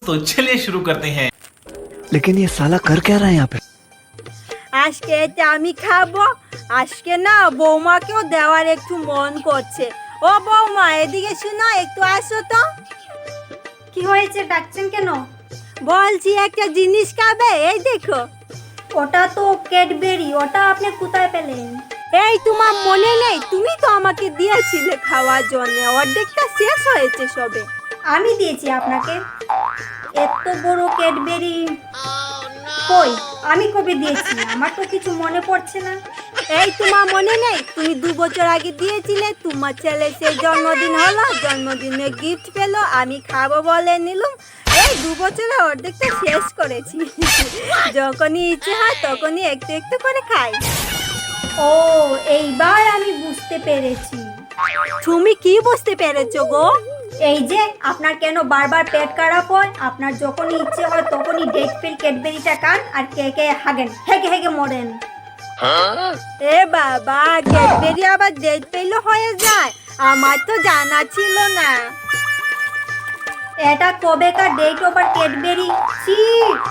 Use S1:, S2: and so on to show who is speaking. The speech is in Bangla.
S1: तो चलिए शुरू करते हैं।
S2: लेकिन ये साला कर क्या रहा है यहाँ पे?
S3: আজকে এটা আমি খাবো। আজকে না বৌমাকেও দেওয়ার একটু মন করছে। ও বৌমা এদিকে শুনো, একটু আসো তো।
S4: কি হয়েছে, ডাকছেন কেন?
S3: বলছি একটা জিনিস খাবে, এই দেখো।
S4: ওটা তো ক্যাডবেরি, ওটা আপনি কোথায় পেলেন?
S3: এই তোমার মনে নেই, তুমি তো আমাকে দিয়েছিলে খাওয়ার জন্য, অর্ধেকটা শেষ হয়েছে সবে।
S4: আমি দিয়েছি আপনাকে এত বড় ক্যাডবেরি? কই, আমি কবে দিয়েছি? আমার তো কিছু মনে পড়ছে না।
S3: এই তোমার মনে নেই, তুমি 2 বছর আগে দিয়েছিলে, তোমার ছেলে সেই জন্মদিন হলো, জন্মদিনে গিফট পেলো, আমি খাবো বলে নিলাম। এই 2 বছরে অর্ধেকটা শেষ করেছি। যখনই ইচ্ছে হয় তখনই একটু একটু করে খাই।
S4: ও, এইবার আমি বুঝতে পেরেছি।
S3: তুমি কি বুঝতে পেরেছো গো?
S4: এই যে আপনার কেন বারবার পেট খারাপ হয়, আপনার যখনই ইচ্ছে হয় তখনই ডেট ফিল ক্যাডবেরিটা খান আর কে কে হাগেন, হেগে হেগে মরেন।
S3: এ বাবা, ক্যাডবেরি আবার ডেট পেলে হয়ে যায়? আমার তো জানা ছিল না।
S4: এটা কবেকার ডেট ওভার ক্যাডবেরি? ছি,